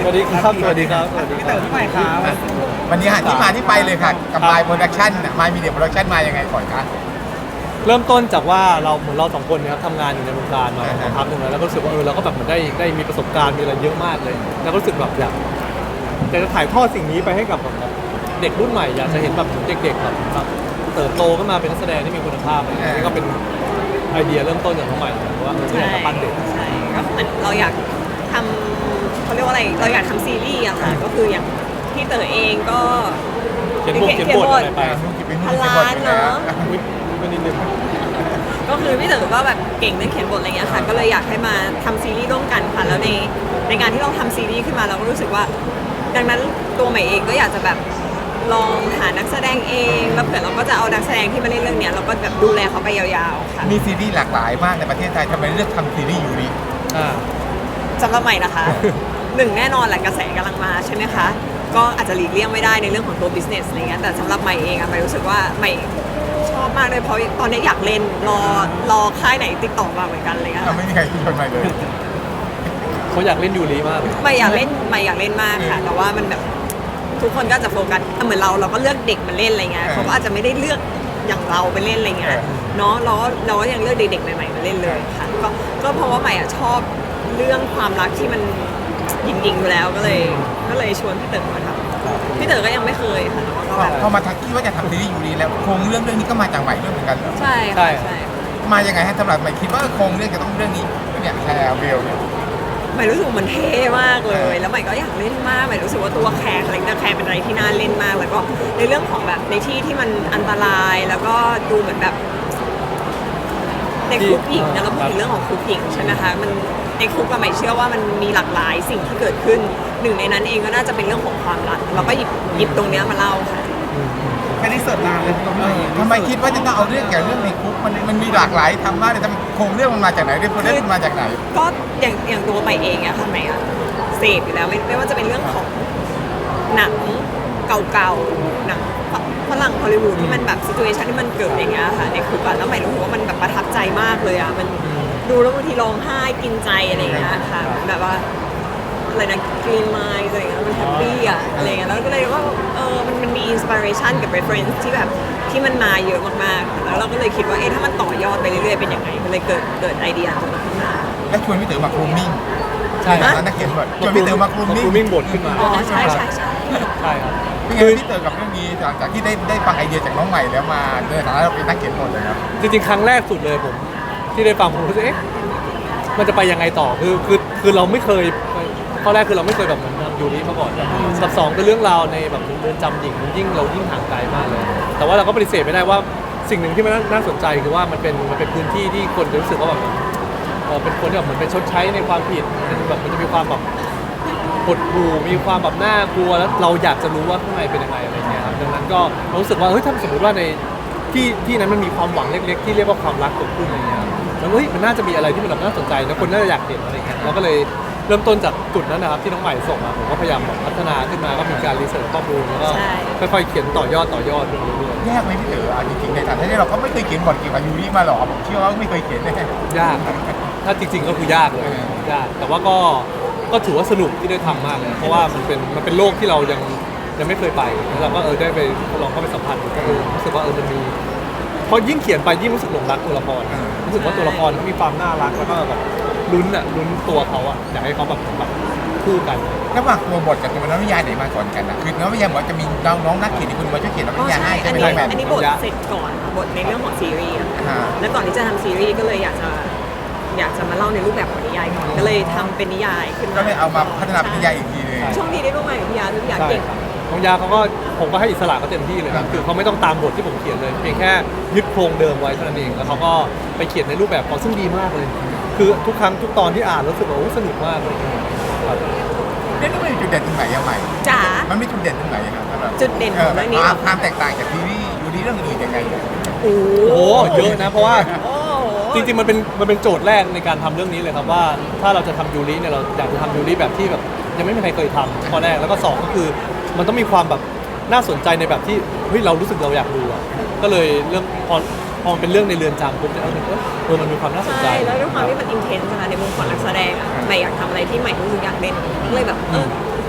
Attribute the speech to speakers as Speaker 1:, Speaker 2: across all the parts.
Speaker 1: วัสดีครับสวัสดีครับสวัสดี
Speaker 2: พี่เต๋อ
Speaker 1: ครับ
Speaker 2: พี่ใหม่ครับ
Speaker 3: วันนี้หาที่มาที่ไปเลยค่ะกับ
Speaker 1: ครับ
Speaker 3: มายโปรดักชั่นมายมีเดียโปรดักชั่นมายังไงก่อนคะ
Speaker 1: เริ่มต้นจากว่าเราเหมือนเราสองคนเนี่ยครับทำงานอยู่ในวงการมาสักพักหนึ่งแล้วก็รู้สึกว่าเราก็แบบเหมือนได้มีประสบการณ์มีอะไรเยอะมากเลย แล้วก็รู้สึกแบบอยากจะถ่ายทอดสิ่งนี้ไปให้กับแบบเด็กรุ่นใหม่อยากจะเห็นแบบเด็กๆแบบเติบโตขึ้นมาเป็นนักแสดงที่มีคุณภาพอะไรอย่างเงี้ยนี่ก็เป็นไอเดียเริ่มต้นจากน้องใหม่ว่าอยากจะปั้นเด็ก
Speaker 4: ใช่ก็เหมือนเราอยากทำเขาเรียกว่าอะไรเราอยากทำซีรีส์อะค่ะก็คืออย่างพี่เต๋อเองก็
Speaker 1: เขียนบทอะไรไป
Speaker 4: พันล้านเนาะ
Speaker 1: อุ๊ยไม่นิดนึง
Speaker 4: ก็คือพี่เต๋อก็แบบเก่งเรื่องเขียนบทอะไรเงี้ยค่ะก็เลยอยากให้มาทำซีรีส์ร่วมกันค่ะแล้วในการที่เราทำซีรีส์ขึ้นมาเราก็รู้สึกว่า ดังนั้นตัวใหม่เองก็อยากจะแบบลองหานักแสดงเองแล้วเผื่อเราก็จะเอานักแสดงที่มาเล่นเรื่องเนี้ยเราก็แบบดูแลเขาไปยาวๆค่ะ
Speaker 3: มีซีรีส์หลากหลายมากในประเทศไทยทำไมเลือกทำซีรีส์ยูริ
Speaker 4: สำหรับใหม่นะคะ หนึ่งแน่นอนแหละกระแสกำลังมาใช่ไหมคะก็อาจจะหลีกเลี่ยงไม่ได้ในเรื่องของตัว business อะไรเงี้ยแต่สำหรับใหม่เองอะใหม่รู้สึกว่าใหม่ชอบมากเลยเพราะตอนนี้อยากเล่นรอค่ายไหนติดต่อมาเหมือนกันอะไรเลยค่ะ
Speaker 3: ไม่มีใครชวนมาเลย
Speaker 1: เขาอยากเล่นยูริมากเลย
Speaker 4: ใหม่อยากเล่นมากค่ะแต่ว่ามันแบบทุกคนก็จะโฟกัสเหมือนเราก็เลือกเด็กมาเล่นอะไรเงี้ยเขาก็อาจจะไม่ได้เลือกอย่างเราไปเล่นอะไรเงี้ยเนาะเราก็ยังเลือกเด็กๆใหม่ๆมาเล่นเลยค่ะก็เพราะว่าใหม่อะชอบเรื่องความรักที่มันหยิงๆอยู่แล้วก็เลยชวนพี่เต๋อมาทำพี่เต๋อก็ยังไม่เคยค่ะแต่ว่าก็แบบ
Speaker 3: พอมาทักที่ว่าจะทำซีรีส์ยูริแล้วโครงเรื่องนี้ก็มาจากใหม่ด้วยเหมือนกันเหรอ
Speaker 4: ใช่
Speaker 1: ใช่
Speaker 4: ค่ะใช่
Speaker 3: มายังไงฮะสำหรับใหม่คิดว่าโครงเรื่องจะต้องเรื่องนี้เนี่ยแคร์เบลเนี่ย
Speaker 4: ใหม่รู้สึกมันเท่มากเลย แล้วใหม่ก็อยากเล่นมากใหม่รู้สึกว่าตัวแคร์คาแรคเตอร์แคร์เป็นอะไรที่น่าเล่นมาก แล้วก็ในเรื่องของแบบในที่ที่มันอันตรายแล้วก็ดูเหมือนแบบในคุกหญิงนะเราพูดถึงเรื่องของคุกหญิงใช่ไหมคะมันในคุกก็ใหม่เชื่อว่ามันมีหลากหลายสิ่งที่เกิดขึ้นหนึ่งในนั้นเองก็น่าจะเป็นเรื่องของความรักเราก็หยิบตรงเนี้ยมาเล่าค่ะ
Speaker 2: ไม่ได้เสิร์ฟนานเลยตัวพี่ใหม่
Speaker 3: ทำไมคิดว่าจะต้องเอาเรื่องเกี่ยวกับเรื่องในคุกมันมีหลากหลายทำมากเลยทำโครงเรื่องมันมาจากไหนเรื่องมันมาจากไหน
Speaker 4: ก็อย่างตัวใหม่เองอะค่ะใหม่อะเสพอยู่แล้วไม่ว่าจะเป็นเรื่องของหนังเก่าๆหนังฝรั่งฮอลลีวูดที่มันแบบซิทูเอชันที่มันเกิดอย่างเงี้ยค่ะในคุกอะแล้วใหม่รู้สึกว่ามันแบบประทับใจมากเลยอะมันดูแล้วบางทีร้องไห้กินใจอะไรอย่างเงี้ยค่ะแบบว่าอะไรนะกรีนไมล์อะไรอย่างเงี้ยมันแฮปปี้อะอะไรอย่างเงี้ยแล้วก็เลยว่ามันมีอินสปิเรชันกับ reference ที่แบบที่มันมาเยอะมากๆแล้วเราก็เลยคิดว่าถ้ามันต่อยอดไปเรื่อยๆเป็นยังไงมันเลยเกิดไอเดียตรงนี้ขึ้นมา
Speaker 3: และชวนพี่เต๋อมาครูมมิ่ง
Speaker 1: ใช่
Speaker 3: ตอนนั้นนักเขียนบทชวนพี่เต๋อมาครูมมิ่ง
Speaker 1: มิ่งบทขึ้นมา
Speaker 4: อ๋อใช่
Speaker 1: ใช่ครับ
Speaker 3: เป็นไงพี่เต๋อกับเรื่องนี้หลังจากที่ได้ฟังไอเดียจากน้องใหม่แล้วมาในฐานะเราเป็นนักเขียนบทเลยครับ
Speaker 1: จริงๆครั้งแรกสุดเลยผมที่ได้ฟังผมรู้สึกมันจะไปยังไงต่อคือเราไม่เคยข้อแรกคือเราไม่เคยแบบเหมือนยูริมาก่อนกับสองคือเรื่องราวในแบบเรือนจำหญิงเรายิ่งห่างไกลมากเลย แต่ว่าเราก็ปฏิเสธไม่ได้ว่าสิ่งหนึ่งที่มันน่าสนใจคือว่ามันเป็นพื้นที่ที่คนจะรู้สึกว่าแบบเป็นคนที่แบบเหมือนเป็นชดใช้ในความผิดแบบมันจะมีความแบบหดหู่มีความแบบน่ากลัวแล้วเราอยากจะรู้ว่าข้างในเป็นยังไงอะไรเงี้ยครับดังนั้นก็รู้สึกว่าถ้าสมมติว่าในที่นั้นมันมีความหวังเล็กๆที่เรียกว่าความรักเกิดขึ้นอะไรเงี้ยแล้วมันน่าจะมีอะไรที่มันแบบน่าสนใจแล้วคนน่าจะอยากเห็นอะไรเงี้ยเราก็เลยเริ่มต้นจากจุดนั้นนะครับที่น้องใหม่ส่งมาผมก็พยายามพัฒนาขึ้นมาก็มีการรีเสิร์ชข้อมูลแล้วก็ค่อยๆเขียนต่อยอดไปเรื่อยๆ
Speaker 3: ยากไหมพี่เต๋อเอาจริงๆในฐานะที่เราก็ไม่เคยเขียนบทเกี่ยวกับยูริมาหรอกผมเชื่อว่าไม่เคยเขียนแน่
Speaker 1: ยากครับถ้าจริงๆก็คือยากเลยยากแต่ว่าก็ถือว่าสนุกที่ได้ทำมากเลยเพราะว่ามันเป็นโลกที่เรายังไม่เคยไปแล้วเราก็ได้ไปลองเข้าไปสัมผัสดูก็รู้สึกว่ามันมีพอยิ่งเขียนไปยิ่งรู้สึกหลงรักตัวละครรู้สึกว่าตัวละครเขามีความน่ารักแล้วก็แบบลุ้นตัวเขาอะอยากให้เขาแบบคู่กัน
Speaker 3: ระหว่างตัวบทกับตัวนวนิยายไหนมาก่อนกันนะคือนวนิยายบอกจะมีน้องนักเขียนที่คุณมาช่วยเขียนนวนิยายให้ใช่ไหมแม่
Speaker 4: อันนี้บทเสร็จก่อนบทในเรื่องของซีรีส์แล้วก่อนที่จะทำซีรีส์ก็เลยอยากจะมาเล่าในรูปแบบของนิยายก่อนก็เลยทำเป็นนิยายขึ้นมา
Speaker 3: ก็เลยเอามาพัฒนาเป็นนิยายอีกทีเลย
Speaker 4: ช่วงนี้ได้ร่วมงานกับพี่ยาพี่ยาเก่ง
Speaker 1: น้องยาเขาก็ผมก็ให้อิสระเขาเต็มที่เลยครับคือเขาไม่ต้องตามบทที่ผมเขียนเลยเพียงแค่ยึดโครงเดิมไว้เท่านั้นเองแล้วเขาก็ไปเขียนในรูปแบบของซึ่งดีมากเลย คือทุกครั้งทุกตอนที่อ่านรู้สึกว่าสนุกมากเลยครับ
Speaker 3: นี่ต้องมีจุดเด่นตรงไหนยังไง
Speaker 4: จ๋า
Speaker 3: มันมีจุดเด่นตรงไหนครับสำหรับ
Speaker 4: จุดเด่นของเรื่องนี้เหรอ
Speaker 3: ความแตกต่างจากซีรีส์ยูริเรื่องอื่นยังไง
Speaker 4: โอ้
Speaker 1: โอ้เยอะนะเพราะว่า
Speaker 4: โอ้
Speaker 1: จริงๆมันเป็นโจทย์แรกในการทำเรื่องนี้เลยครับว่าถ้าเราจะทำยูริเนี่ยเราอยากจะทำยูริแบบที่แบบยังไม่มีใครเคยทำข้อแรกแล้วก็สองก็คือมันต้องมีความแบบน่าสนใจในแบบที่เรารู้สึกเราอยากดูอ่ะก็เลยเรื่องพอมันเป็นเรื่องในเรือนจำปุ๊บเนี่ยมันมีความน่าสนใจ
Speaker 4: ใช่แล้วด้วยความที่มันอินเทนส์นะคะในมุมของนักแสดงอะใหม่อยากทำอะไรที่ใหม่รู้สึกอยากเล่นก็เลยแบบ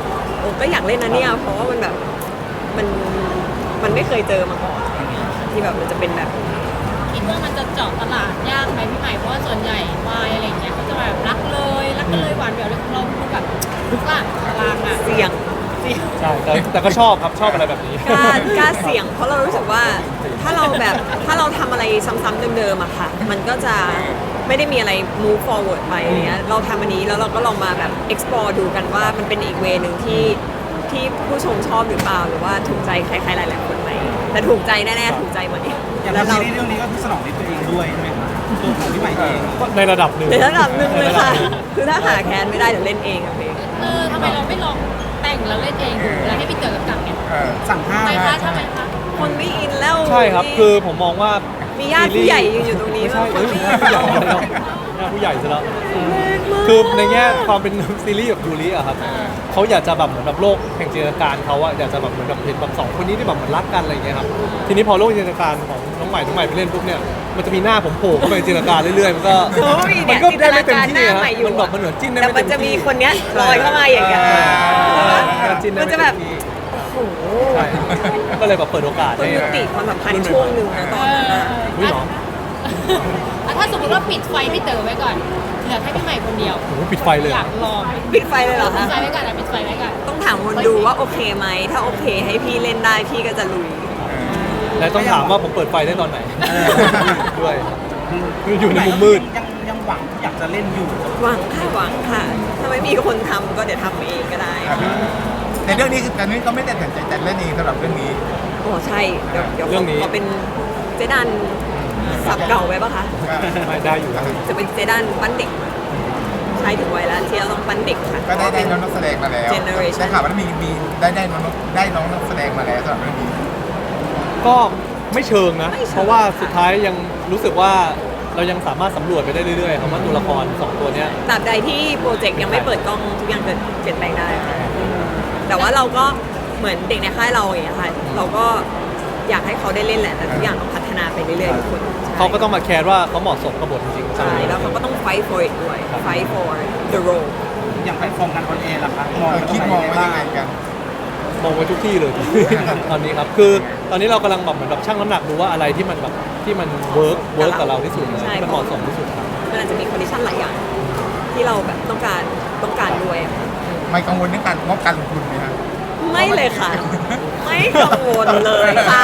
Speaker 4: ก็อยากเล่นนะเนี่ยเพราะว่ามันแบบมันมันไม่เคยเจอมาก่อนที่แบบมันจะเป็นแบบ
Speaker 5: คิดว่ามันจะเจาะตลาดยากไหมพี่ใหม่เพราะว่าส่วนใหญ่วายอะไรอย่างเงี้ยเขาจะแบบรักกันเลยหวานแหววเลยเราดูแบบทุกหลังกลางอ่ะ
Speaker 4: เสี่ยง
Speaker 1: ใช่แต่ก็ชอบครับชอบอะไรแบบนี้
Speaker 4: กล้าเสี่ยงเพราะเรารู้สึกว่าถ้าเราทำอะไรซ้ำๆเดิมๆอะค่ะ มันก็จะไม่ได้มีอะไร move forward ไปอย่างเงี้ยเราทำอันนี้แล้วเราก็ลองมาแบบ explore ดูกันว่ามันเป็นอีกเวนึงที่ผู้ชมชอบหรือเปล่าหรือว่าถูกใจใครๆหลายๆคนไหมแต่ถูกใจแน่ๆถูกใจหมดเนี่ย
Speaker 2: อย่าง
Speaker 4: แล้ว
Speaker 2: ซี
Speaker 4: เรา
Speaker 2: รีส์เรื่องนี้ก็คือสนองในตัวเองด้วยใช่ไหมคะตัวของพี่ใหม่เอง
Speaker 1: ก็ในระดับหนึ่ง
Speaker 4: ในระดับหนึ่งเลยค่ะ คือถ้าหาแคนไม่ได้เดี๋ยวเล่นเองอะเพลง
Speaker 5: ทำไมเราไม่ลองแต่งแล้วเล่นเองดูแล้วให้พี่เต๋อกำกับเนี่ย
Speaker 2: สั่งห้า
Speaker 5: ทำไมคะ
Speaker 4: คนไม่อินแล้ว
Speaker 1: ใช่ครับคือผมมองว่า
Speaker 4: มีญาติผู้ใหญ่ยืนอยู่ตรงนี้
Speaker 1: ไม่ใช่
Speaker 4: คนไม่อิน
Speaker 1: ผู้ใหญ่แล้วผู้ใหญ่ซะแล้วคือในแง่ความเป็นซีรีส์แบบยูริอะครับเขาอยากจะแบบเหมือนแบบโลกแห่งจินตนาการเขาอะอยากจะแบบเหมือนแบบเห็นแบบสองคนนี้ที่แบบเหมือนรักกันอะไรอย่างเงี้ยครับทีนี้พอโลกจินตนาการของน้องใหม่ไปเล่นปุ๊บเนี่ยมันจะมีหน้าผมโผล่เข้าไปในจินตนาการเรื่อยๆมันก็
Speaker 4: โอ้ย
Speaker 1: มั
Speaker 4: เนี่ย
Speaker 1: ก็
Speaker 4: จินต
Speaker 1: ได้
Speaker 4: นา
Speaker 1: ไม่เต็ม
Speaker 4: การห
Speaker 1: ที่
Speaker 4: น้า
Speaker 1: อะ
Speaker 4: ใหม่อยู่
Speaker 1: มันแบบมันเหมือนจิ้นได้
Speaker 4: แต่
Speaker 1: ไม่
Speaker 4: มั
Speaker 1: เต็
Speaker 4: น
Speaker 1: มที่
Speaker 4: จะมีคนเนี้ยลอยเข้ามาอย่างเงี้ย
Speaker 1: จิ้นได้
Speaker 4: มัน
Speaker 1: ไเต็
Speaker 4: จะแบบ
Speaker 1: ที่
Speaker 4: โอ้โห
Speaker 1: ใช่ก็เลยแบบเปิดโอกาส
Speaker 4: คน
Speaker 1: ให้
Speaker 4: ยุติความสัมพันธ์ช่วงหนึ่งนะตอนนั้นอะ
Speaker 1: อุ้ยเหรอ
Speaker 5: ถ้าสมมติว่าปิดไฟพี่เต๋อไว้ก่อนเหลือแค่พี่ใหม่คนเดียว
Speaker 1: โอ้โหปิดไฟเลย
Speaker 5: อ
Speaker 1: เหร
Speaker 5: ยา
Speaker 1: อก
Speaker 5: ลอง
Speaker 4: ปิดไฟเลยเหรอ
Speaker 5: ปิด
Speaker 4: คะ
Speaker 5: ไฟไว้ก่อนปิดไฟไว้ก่อน
Speaker 4: ต้องถามคนดูว่าโอเคไหมถ้าโอเคให้พี่เล่นได้พี่ก็จะลุย
Speaker 1: และต้องถามว่าผมเปิดไฟได้ตอนไหนด้วยอยู่ในมุมมืด
Speaker 2: ยังหวังอยากจะเล่นอยู่
Speaker 4: หวังค่ะถ้าไม่มีคนทำก็เดี๋ยวทำเองก็ได้
Speaker 3: ในเรื่องนี้คือตอนนี้ก็ไม่ได้ตัดใจแต่เล่นเองสำหรับเรื่องนี้
Speaker 4: โอ้ใช่เดี๋ยว
Speaker 1: เรื่องนี้
Speaker 4: ขอเป็นเจดันสับเก่าไว้ปะคะ
Speaker 1: ไม่ได้อยู่ครับ
Speaker 4: จะเป็นเจดันปั้นเด็กใช่ถึงวัยแล้วที่เราต้องปั้นเด็กค่ะ
Speaker 3: ก็ได้น้องนักแสดงมาแล้ว
Speaker 4: Generation
Speaker 3: ได้ข่าวว่ามีได้น้องนักแสดงมาแล้วสำหรับเรื่องนี้
Speaker 1: ก็ไม่เชิงนะ
Speaker 4: ไม่เชิง
Speaker 1: เพราะว่า
Speaker 4: ค่ะ
Speaker 1: สุดท้ายยังรู้สึกว่าเรายังสามารถสำรวจไปได้เรื่อยๆครับว่าตัวละครสองตัวเนี้ย
Speaker 4: ตราบใดที่โปรเจกต์ยังไม่เปิดกล้องทุกอย่างเกิดเปลี่ยนแปลงได้ค่ะแต่ว่าเราก็เหมือนเด็กในค่ายเราอย่างเงี้ยค่ะเราก็อยากให้เขาได้เล่นแหละแต่ทุกอย่างต้องพัฒนาไปเรื่อยๆทุกคนใช่
Speaker 1: เขาก็ต้องมาแคร์ว่าเขาเหมาะสมกับบทจริงๆ
Speaker 4: ใช่แล้วเขาก็ต้อง fight for it ด้วย fight for the role
Speaker 2: อย่างแพลตฟอร์มการออนแอร์ล่ะคะมอง
Speaker 3: คิดมองไว้ยังไงกัน
Speaker 1: มองไว้ทุกที่เลย ตอนนี้ครับคือตอนนี้เรากำลังแบบเหมือนแบบชั่งน้ำหนักดูว่าอะไรที่มันแบบที่มันเวิร์กกับเราที่สุด
Speaker 4: ใช่
Speaker 1: ที่มันเหมาะสมที่สุดครับ
Speaker 4: มันอาจจะมีคอนดิชันหลายอย่างที่เราแบบต้องการด้วยค่ะ
Speaker 3: ไม่กังวลเรื่องการงบการลงทุนไหมครับ
Speaker 4: ไม่เลยค่ะ ไม่กังวลเลยค่ะ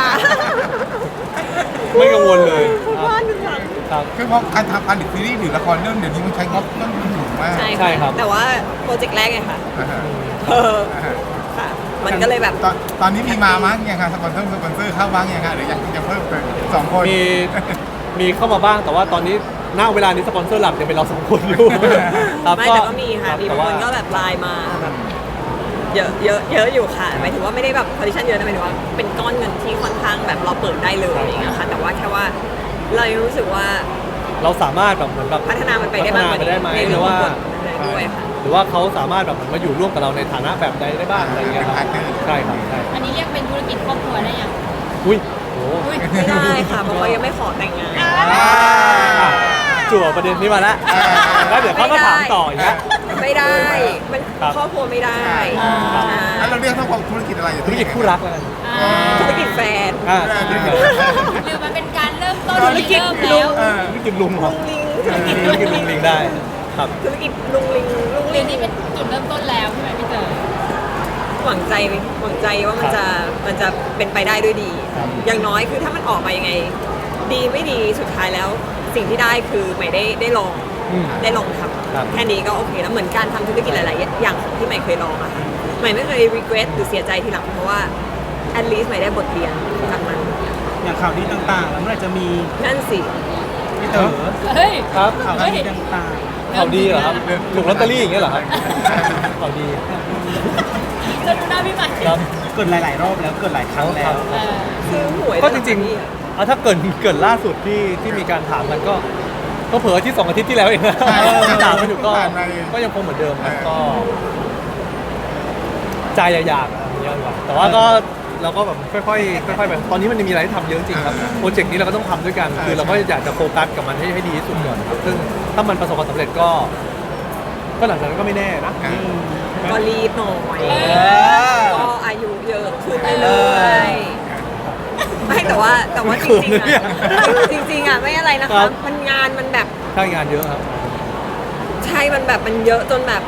Speaker 1: ไม่กังวลเลย
Speaker 4: พูดว่าหนึ่งหลัง
Speaker 1: ครับ
Speaker 3: คือเพราะการทำผลิตซีรีส์หรือละครเรื่องเดี๋ยวนี้มันใช้งบต้นทุนสูงมาก
Speaker 4: ใช่
Speaker 1: ใช่ครับ
Speaker 4: แต่ว่าโปรเจกต์แรกไงค่ะ
Speaker 3: อ่าฮะ
Speaker 4: เออค่ะ มันก็เลยแบบ
Speaker 3: ตอนนี้มีมามั้งยังคะสปอนเซอร์เข้าบ้างยังคะหรือยังเพิ่มเป็นสองคน
Speaker 1: มีเข้ามาบ้างแต่ว่าตอนนี้ณเวลานี้สปอนเซอร์หลักยังเป็นเราสองคนอยู่ครับ
Speaker 4: ไม่แต่ก็มีค่ะ มี
Speaker 1: แต่
Speaker 4: บาง
Speaker 1: ว่า
Speaker 4: คนก็แบบไลน์มาแบบเยอะอยู่ค่ะหมายถึงว่าไม่ได้แบบคอนดิชันเยอะนะหมายถึงว่าเป็นก้อนเงินที่ค่อนข้างแบบเราเปิดได้เลยอย่างเงี้ยค่ะ แต่ว่าแค่ว่าเรายังรู้สึกว่า
Speaker 1: เราสามารถแบบเหมือนแบบ
Speaker 4: พัฒนามันไปได้บ้าง
Speaker 1: พัฒนาไปได้ไหม
Speaker 4: ใน
Speaker 1: ห
Speaker 4: เรื่
Speaker 1: รือ อง
Speaker 4: ขอ
Speaker 1: ว่า
Speaker 4: งบทอะไรด้วยค่ะ
Speaker 1: หรือว่าเขาสามารถแบบเหมือนมาอยู่ร่วมกับเราในฐานะแบบใดได้บ้างอะไรอย่างเงี้ยครับใช่ครับใช่
Speaker 5: อันนี้เรียกเป็นธุรกิจครอบครัวได้ยัง
Speaker 1: อุ้ยโห
Speaker 5: อุ้ย
Speaker 4: ไม่ได้ค่ะเพราะเขายังไม่ขอแต่งงาน
Speaker 1: จั่วประเด็นนี้มาแล้วแล้วเดี๋ยวเขาก็ถามต่ออีกนะ
Speaker 4: ไม่ได้มัน
Speaker 1: ครับ
Speaker 4: ครอบครัวไม่ได้
Speaker 3: แล้วเราเรียกทั้งธุรกิจอะไร
Speaker 1: ธุรกิจคู่รักแล้วกัน
Speaker 4: ธุรกิจแฟน
Speaker 1: ธุรกิจ
Speaker 5: หรือมันเป็นการเริ่มต้น
Speaker 4: ธุรกิจ
Speaker 5: เริ่มแล้ว
Speaker 1: ธุรกิจลุงเหร
Speaker 4: ลุ
Speaker 1: อง
Speaker 4: ลิง
Speaker 1: ธุรกิจลุงลิงได้ครับ
Speaker 4: ธุรกิจลุงลิง
Speaker 5: เรียนนี้เป็นจุดเริ่มต้นแล้วใช่ไหมพี่เต๋อ
Speaker 4: หวังใจว่ามันจะเป็นไปได้ด้วยดี อย่างน้อยคือถ้ามันออกมายังไง ดีไม่ดีสุดท้ายแล้ว สิ่งที่ได้คือใหม่ได้ลอง
Speaker 1: อืม
Speaker 4: ได้ลองท
Speaker 1: ครับ
Speaker 4: ำแค่นี้ก็โอเคแล้วเหมือนการทำธุรกิจหลายๆอย่างที่ใหม่เคยลองอะค่ะใหม่ไม่เคย regret หรือเสียใจทีหลังเพราะว่า at least ใหม่ได้บทเรียนจากมัน
Speaker 2: อย่างข่าวดีต่างๆ แล้วเมื่อไหร่จะมี
Speaker 4: นั่นสิ
Speaker 2: พี่เต๋อ
Speaker 5: เฮ้ย
Speaker 1: ครับ
Speaker 2: ข่าว
Speaker 5: เฮ้ย
Speaker 2: ดีต่าง
Speaker 1: ข่าวดีเหรอครับถูกลอตเตอรี่อย่างเงี้ยเหรอครับข่าวดี
Speaker 5: จะดูหน้าพี่ใหม่
Speaker 1: ครับ
Speaker 2: ๆ เกิดหลายๆรอบแล้วเกิดหลายครั้งแล้ว
Speaker 5: เออ
Speaker 4: ซื้อหวย
Speaker 1: ก็จริง
Speaker 4: ๆ
Speaker 1: ๆถ้าเกิดล่าสุดที่มีการถามกันก็เผลอที่2 อาทิตย์ที่แล้วเองนะ
Speaker 3: ใช่
Speaker 1: ถามไม่ถูกก็
Speaker 3: ผ่านมาเอง
Speaker 1: ก็ยังคงเหมือนเดิมครับ
Speaker 3: เออ
Speaker 1: ก็ใจอยากๆอย่างเงี้ยดีกว่าแต่ว่าก็เราก็แบบค่อยๆแบบตอนนี้มันยังมีอะไรให้ทำเยอะจริงๆครับโปรเจกต์นี้เราก็ต้องทำด้วยกันคือเราก็อยากจะโฟกัสกับมันให้ดีที่สุดก่อนครับซึ่งถ้ามันประสบความสำเร็จก็หลังจากนั้นก็ไม่แน่นะ
Speaker 3: อ่า
Speaker 1: ใช่ไหม
Speaker 4: ก็รีบหน่อย
Speaker 2: อ
Speaker 4: ก็อายุเยอะขึ้นเรื่อยๆไม่แต่ว่าจริงๆอะจริงๆอะไม่อะไรนะ
Speaker 1: ครั
Speaker 4: คะ
Speaker 1: บ
Speaker 4: มันงานมันแบบ
Speaker 1: ใช่งานเยอะครับ
Speaker 4: ใช่มันแบบมันเยอะจนแบบ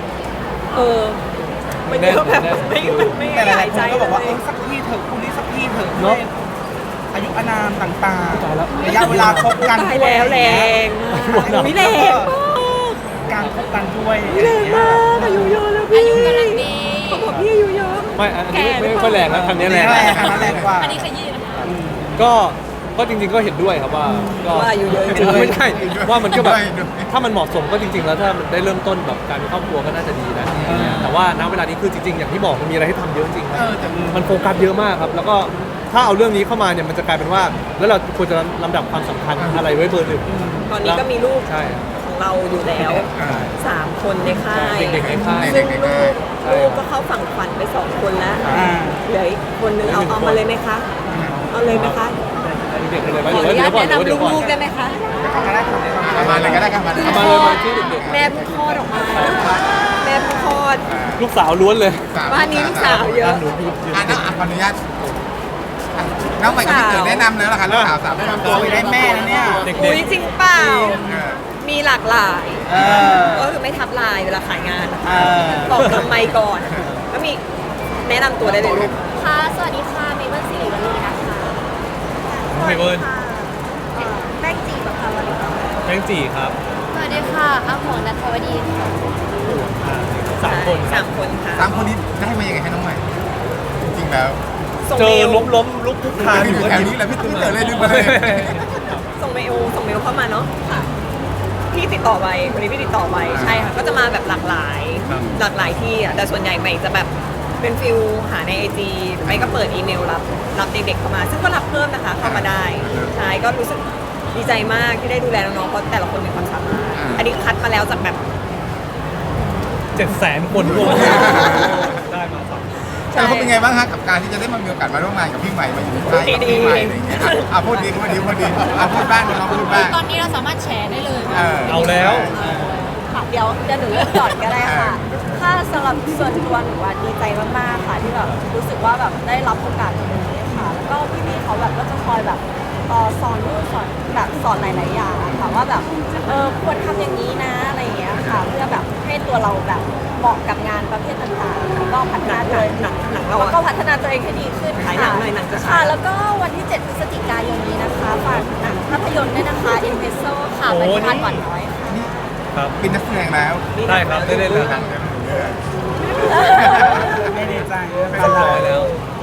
Speaker 4: มันเยอะแบบไม่
Speaker 2: แต่ห
Speaker 4: หา
Speaker 2: ลาย
Speaker 4: ย
Speaker 2: ๆค
Speaker 4: ใจ
Speaker 2: นก็บอกว่า
Speaker 4: เลย
Speaker 2: สักที่เถอะคู่นี้สักที่เถอะ
Speaker 1: เนอะ
Speaker 2: อายุอานามต่าง
Speaker 1: ตายแล้ว
Speaker 2: ๆระยะเวลาคบกัน
Speaker 4: ตายแล้วแรงไม่แรงมาก
Speaker 2: การคบกันด้วย
Speaker 4: ไม่แรงมากอายุเยอะแล้วพี่
Speaker 5: อายุกำลังดี
Speaker 4: เขาบอกพี่อายุเยอะ
Speaker 1: ไม่อันนี้ไม่ค่อยแรงนะทางนี้แรง
Speaker 2: แรงอันนั้นแรงกว่า
Speaker 5: อันนี้ขยี้นะคะ
Speaker 1: ก็จริงๆก็เห็นด้วยครับว่าก็
Speaker 4: ว่าอายุเยอะจริง
Speaker 1: ไม่ใช่ว่ามันก็แบบ
Speaker 3: ด้วย
Speaker 1: ถ้ามันเหมาะสมก็จริง ๆ แล้วถ้ามันได้เริ่มต้นแบบการมีครอบครัวก็น่าจะดีนะแต่ว่าณเวลานี้คือจริงๆอย่างที่บอกมันมีอะไรให้ทำเยอะจริงครับมันโฟกัสเยอะมากครับ แล้วก็ถ้าเอาเรื่องนี้เข้ามาเนี่ยมันจะกลายเป็นว่า แล้วเราควรจะลำดับความสำคัญอะไรไว้เบอร์หนึ่ง
Speaker 4: ตอนนี้ก็มีลูก
Speaker 1: ใช่
Speaker 4: ของเราอยู่แล้ว3 คนในค่าย
Speaker 1: เด็กๆในค่าย
Speaker 4: ซึ่งลูกก็เข้าฝั่งฝันไป2 คนแล้ว
Speaker 2: อ่า
Speaker 4: เหลืออีกคนนึงเอามาเลยไหมคะ เอาเลยไหมคะ
Speaker 1: เด็กๆเลยไหม
Speaker 4: ขออนุญาตแนะนำ
Speaker 1: เดี๋ยวก่อน
Speaker 4: ลูกๆได้ไหมคะ
Speaker 3: เอามาเลยก็ได้ครับมาเลย
Speaker 1: เอามาเลยมาที่เด็ก
Speaker 4: แม่เพิ่งคลอดออกมา แม่เพิ่งคลอด
Speaker 1: ๆลูกสาวล้วนเลย
Speaker 4: บ้านนี้ลูกสาวเยอะ
Speaker 1: หนูยืน
Speaker 3: น้องขออนุญาตน้องใหม่กับพี่เต๋อแนะนำแล้วล่ะค่ะลูกสาวสาวแนะนำตัว
Speaker 2: โอ้ยได้แม่แล้วเนี่ย
Speaker 1: เด็ก
Speaker 4: อุ้ยจริงเปล่า
Speaker 3: เออ
Speaker 4: มีหลากหลาย
Speaker 2: เออ
Speaker 4: ก็คือไม่ทับลายเวลาขายงาน
Speaker 2: เออ
Speaker 4: บอกทำไมก่อน ก็มีแนะนำตัวได้เลยลูก
Speaker 5: ค่ะ สวัสดีค่ะ เมเปิลสิริวัลลีนะคะ
Speaker 1: ๆไม่เบิร์น
Speaker 5: แป้งจีบค่ะวันนี้
Speaker 1: แตงจีครับ
Speaker 5: สวัสดีค่ะอาหมวนัทวดีค่ะ
Speaker 1: 3 คน
Speaker 4: สามคนค่ะ
Speaker 3: สามคนนี้ได้มายังไงให้น้องใหม่ จริงๆแล้ว
Speaker 4: ส่ง
Speaker 1: เจ
Speaker 4: เม
Speaker 1: อ
Speaker 4: ล
Speaker 1: ล้มลุกคุกคาน
Speaker 3: อยู่แถวนี้แหละพี่เต๋อเลยดึงมาเลย
Speaker 4: ส่งเมลเข้ามาเนาะค่ะ พี่ติดต่อไปวันนี้พี่ติดต่อไปใช่ค่ะ ก็จะมาแบบหลากหลาย หลากหลายที่อ่ะแต่ส่วนใหญ่ใหม่จะแบบเป็นฟิลหาในไอจีไปก็เปิดอีเมลรับเด็กๆเข้ามา ซึ่งก็รับเพิ่มนะคะเข้ามาได้ใช่ก็รู้สึกดีใจมากที่ได้ดูแลน้องๆเพราะแต่ละคนมีความสามารถอันนี้คัดมาแล้วจากแบบ
Speaker 1: 700,000 คนรวมได้มาสาม
Speaker 3: แล้วเขาเป็นไงบ้างฮะกับการที่จะได้มามีโอกาสมาร่วมงานกับพี่ใหม่มาอยู่ในค่ายกับพี่ใหม่อะไรอย่างเงี้ยอ่ะพูดดีพูดบ้างน้องพูดบ้าง
Speaker 5: ตอนนี้เราสามารถแชร์ได้เลย
Speaker 1: เอาแล้ว
Speaker 6: เดี๋ยวหนูเลือกก่อนก็ได้ค่ะ ถ้าสำหรับส่วนตัวหนูว่าดีใจมากๆค่ะที่แบบรู้สึกว่าแบบได้รับโอกาสตรงนี้ค่ะ แล้วก็พี่ๆเขาแบบก็จะคอยแบบสอนนู่นสอนแบบสอนหลายๆอย่างอะค่ะว่าแบบควรทำอย่างนี้นะอะไรอย่างเงี้ยค่ะ เพื่อแบบให้ตัวเราแบบเหมาะกับงานประเภทต่างๆแล้วก็พัฒนาตัวเอง
Speaker 4: หนังเรา
Speaker 6: แล้ว
Speaker 4: อะ
Speaker 6: ก็พัฒนาตัวเองให้ดีขึ้น
Speaker 4: ขายหนังหน่อยหนังจะฉาย
Speaker 6: ค่ะ แล้วก็วันที่ 7 พฤศจิกายนนี้นะคะฝากหนังภาพยนตร์ด้วยนะคะ i n v e s o ค่ะไปที่บ้านหวานน้อยค่ะ
Speaker 1: ครับ
Speaker 3: เป็นนักแสดงแล้ว
Speaker 1: ได้ครับได้เล่นแล้วครับ
Speaker 2: ไม่ดีใจ
Speaker 1: เรียบร้อยแล้ว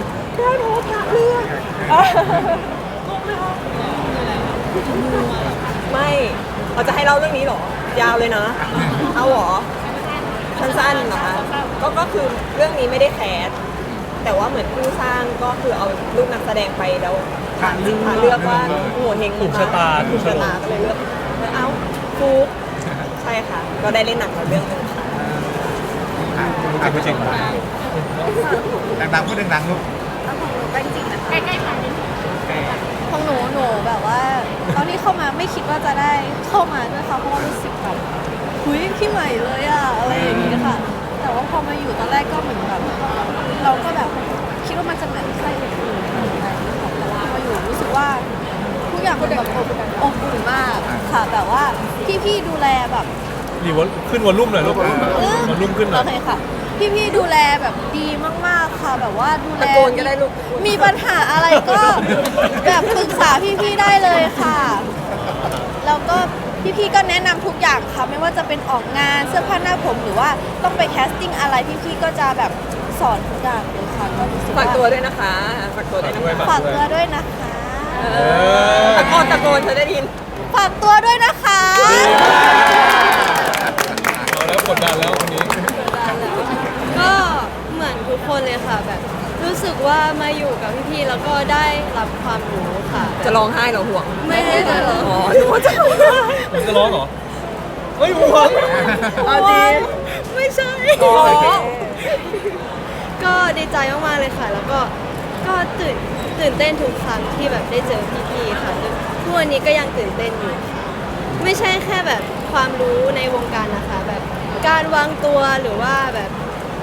Speaker 4: ไม่เราจะให้เล่าเรื่องนี้เหรอ ยาวเลยนะ เอาเหรอ สั้นๆเหรอคะก็คือเรื่องนี้ไม่ได้แคสแต่ว่าเหมือนผู้สร้างก็คือเอาลูกนักแสดงไปแล้วผ่านเลือกว่าโหัวเฮง
Speaker 1: ถูกชะตา
Speaker 4: ถูกชะตาก็เลยเลือกเอ้าฟุกใช่ค่ะ ก็ได้เล่นหนังมาเรื่องหนึงค่ะ
Speaker 1: จริงจริง
Speaker 3: ดังๆพูดดังๆลูก
Speaker 5: ใกล้ๆกันนิดนึง
Speaker 6: ของหนูแบบว่า ตอนที่เข้ามาไม่คิดว่าจะได้เข้ามาด้วยค่ะเพราะว่ารู้สึกแบบหุยพี่ใหม่เลยอะอะไรอย่างนี้ค่ะ แต่ว่าพอมาอยู่ตอนแรกก็เหมือนแบบเราก็แบบคิดว่ามันจะเหมือนใครอื่นๆอะไรอย่างเงี้ยค่ะแต่ว่าพออยู่รู้สึกว่าทุกอย่างมันแบบอบอุ่นมากค่ะแบบว่าพี่ๆดูแลแบบ
Speaker 1: รีวอลขึ้นวอลลุ่มหน่อยลูกวอลลุ่มขึ้นหน่
Speaker 6: โอ
Speaker 1: อย
Speaker 6: เคค่ะ พี่ๆดูแลแบบดีมากๆค่ะแบบว่าดูแล
Speaker 4: ตะโกนก็ได้ลูก
Speaker 6: มีปัญหาอะไรก็แบบปรึกษาพี่ๆได้เลยค่ะ แล้วก็พี่ๆก็แนะนำทุกอย่างค่ะไม่ว่าจะเป็นออกงานเสื้อผ้าหน้าผมหรือว่าต้องไปแคสติ้งอะไรพี่ๆก็จะแบบสอนทุกอย่างเลยค่ะก็รู้สึก
Speaker 4: ฝาก
Speaker 6: ว่า
Speaker 4: ตัวด้วยนะคะฝากตัวด้วยนะคะ
Speaker 6: ฝากตัวด้วยนะคะ
Speaker 4: ตะโกนเธอได้ยิน
Speaker 6: ฝากตัวด้วยนะคะ
Speaker 1: เอาแล้วกดดันแล้ววันนี้
Speaker 6: ก็เหมือนทุกคนเลยค่ะแบบรู้สึกว่ามาอยู่กับพี่ๆแล้วก็ได้รับความรู้ค่ะ
Speaker 4: จะร้องไห้เหรอห่วง
Speaker 6: ไม่ได้จะร้อง
Speaker 4: อ๋อหนูว่าจะร้องไห้
Speaker 1: ผมจะร้องเหรอเฮ้ยห่วง
Speaker 4: เอาจริง
Speaker 6: ไม่ใช่
Speaker 4: อ๋อ
Speaker 6: ก็ดีใจมากๆเลยค่ะ แล้วก็ตื่นเต้นทุกครั้งที่แบบได้เจอพี่ๆค่ะทุกวันนี้ก็ยังตื่นเต้นอยู่ค่ะไม่ใช่แค่แบบความรู้ในวงการนะคะ แบบการวางตัวหรือว่าแบบ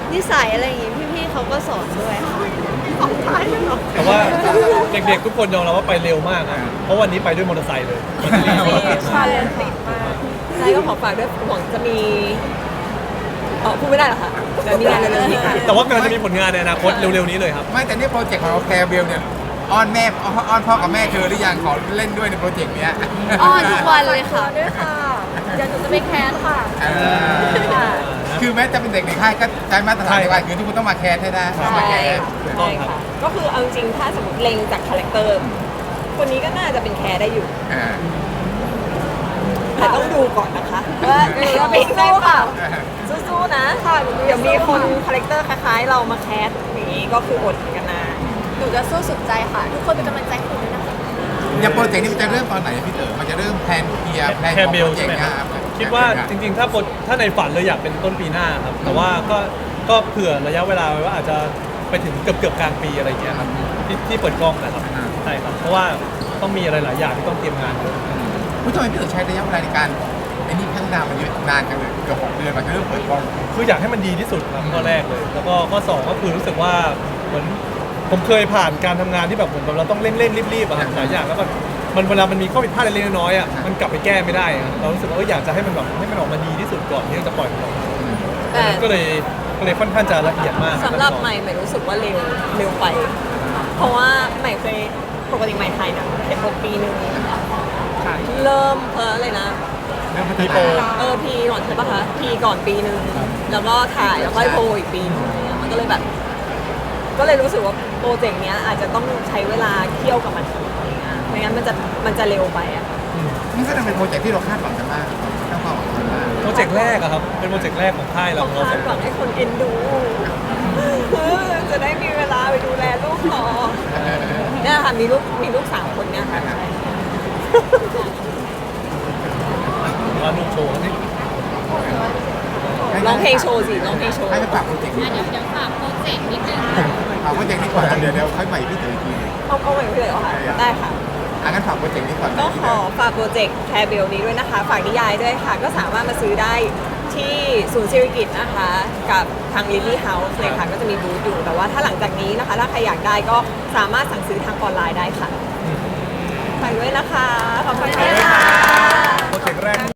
Speaker 6: นิสัยอะไรอย่างงี้พี่ๆเขาก็สอนด้วยค่ะ
Speaker 1: แต่ว่าเด็กๆทุกคนยอมรับว่าไปเร็วมากนะเพราะวันนี้ไปด้วยมอเตอร์ไซค์เลย
Speaker 4: ใช่ติดมากใช่ก็ขอฝากด้วยหวังจะมีพูดไม่ได้เหรอคะเดี๋ยวมีงานเร็วๆนี้ค่ะ
Speaker 1: แต่ว่ากำลังจะมีผลงานในอนาคตเร็วๆนี้เลยครับ
Speaker 3: ไม่แต่นี่โปรเจกต์ของเราแคร์เบลเนี่ยอ้อนแม่อ้อนพ่อกับแม่เธอหรือยังขอเล่นด้วยในโปรเจกต์เนี้ย
Speaker 6: อ้อนทุกวันเลยค่ะ
Speaker 4: ด้วยค่ะเดี๋ยวหนูจะไปแคสค่ะ
Speaker 3: เออ
Speaker 4: ค่ะ
Speaker 3: คือแม้จะเป็นเด็กในค่ายก็ใช้มาตรฐานในวันคือทุกคนต้องมาแคร์ให้ได้ต้องมาแคร์
Speaker 1: ถูกต้อง
Speaker 4: ใช่
Speaker 1: ครับ
Speaker 4: ค่ะก็คือเอาจริงๆถ้าสมมติเล็งจากคาแรคเตอร์คนนี้ก็น่าจะเป็นแคร์ได้อยู่
Speaker 3: อ่า
Speaker 4: แต่ต้องดูก่อนนะคะว่าจะเป็นไงเปล่าสู้ๆนะเดี๋ยวมีคนคาแรคเตอร์คล้ายๆเรามาแคสอย่างนี้ก็คืออดกันนะ
Speaker 6: หนูจะสู้สุดใจค่ะ ทุกคนเป็นกำลังใจให้หนูด้วยนะคะ
Speaker 3: อย่างโปรเจกต์นี้มันจะเริ่มตอนไหนพี่เต๋อมันจะเริ่มแพลนเคลียร์แพลน
Speaker 1: แค
Speaker 3: ของ
Speaker 1: ร์เบ
Speaker 3: โป
Speaker 1: ล
Speaker 3: รเจ
Speaker 1: ใช่
Speaker 3: ก
Speaker 1: ไหม
Speaker 3: ต์
Speaker 1: ค
Speaker 3: นะ
Speaker 1: รับ
Speaker 3: ครับ
Speaker 1: คิดว่าจริงๆถ้าในฝันเลยอยากเป็นต้นปีหน้าครับแต่ว่าก็เผื่อระยะเวลาไว้ว่าอาจจะไปถึงเกือบกลางปีอะไรอย่างเงี้ยครับที่เปิดกล้องนะครับใช่ครับเพราะว่าต้องมีอะไรหลายอย่างที่ต้องเตรียมงานเยอะ
Speaker 3: ผู้ชมพี่เต๋อใช้ระยะเวลาในการไอ้นี่พัฒนามันเยอะนานจังเลยเกือบ6 เดือนมันจะเริ่มเปิดกล้อง
Speaker 1: คืออยากให้มันดีที่สุดครับข้อแรกเลย แล้วก็ข้อสองก็คือรู้สึกว่าเหมือนผมเคยผ่านการทำงานที่แบบเหมือนกับเราต้องเร่งรีบๆอะครับหลายอย่างแล้วก็มันเวลามันมีข้อผิดพลาดเล็กๆน้อยๆอะมันกลับไปแก้ไม่ได้อะเรารู้สึกว่าอยากจะให้มันแบบให้มันออกมาดีที่สุดก่อนที่จะปล่อยมันออกมา
Speaker 4: แต่
Speaker 1: ก็เลยค่อนข้างจะละเอียดมาก
Speaker 4: สำหรับใหม่รู้สึกว่าเร็วไป เพราะว่าใหม่เคยปกติใหม่ถ่ายหนังเขียนบทปีหนึ่งเริ่มอะไรนะ
Speaker 1: พีโป
Speaker 4: พีก่อนใช่ปะคะพีก่อนปีหนึ่งแล้วก็ถ่ายแล้วค่อยโพลอีกปีหนึงมันก็เลยแบบ ก็เลยรู้สึกว่าโปรเจกต์เนี้ยอาจจะต้องใช้เวลาเคี่ยวกับมันอะไรเงี้ยไม่งั้นมันจะเร็วไปอ่ะ
Speaker 3: นี่ก็เป็นโปรเจกต์ที่เราคาดหวังกันมากต้องความหวังกันมาก
Speaker 1: โปรเจกต์แรกอะครับเป็นโปรเจกต์แรกของค่ายเรา
Speaker 4: ต้อง
Speaker 1: ของเรา
Speaker 4: คาดหวังให้คนเอ็นดู จะได้มีเวลาไปดูแลลูกต่อเนี่ยค่ะมีลูก3 คนเนี่ยค่ะ
Speaker 1: ว่าลูกโชว์นี่
Speaker 4: ร้องเพลงโชว์สิร้องเพลงโชว์
Speaker 3: ให้ไปฝากโปรเจกต์นี้
Speaker 5: เดี๋ยวฝากโปรเจกต์นิดนึง
Speaker 3: ฝากโปรเจกต์นี้ก่อนเดี๋ยวค่อยใหม่พี่เต๋ออีกทีหนึง
Speaker 4: เอาใหม่เลยเหรอคะได้ค่ะ
Speaker 3: งั้นฝากโปรเจกต์นี้ก่อน
Speaker 4: ก็ขอฝากโปรเจกต์แคร์เบลนี้ด้วยนะคะ ฝากนิยายด้วยค่ะ ก็สามารถมาซื้อได้ที่ศูนย์ศิริกิติ์นะคะ กับทาง Lily House เลยค่ะ ก็จะมีบูธอยู่ แต่ว่าถ้าหลังจากนี้นะคะ ถ้าใครอยากได้ก็สามารถสั่งซื้อทางออนไลน์ได้ค่ะฝากด้วยนะคะ ขอบคุณค่ะ
Speaker 1: โปรเจกต์แรก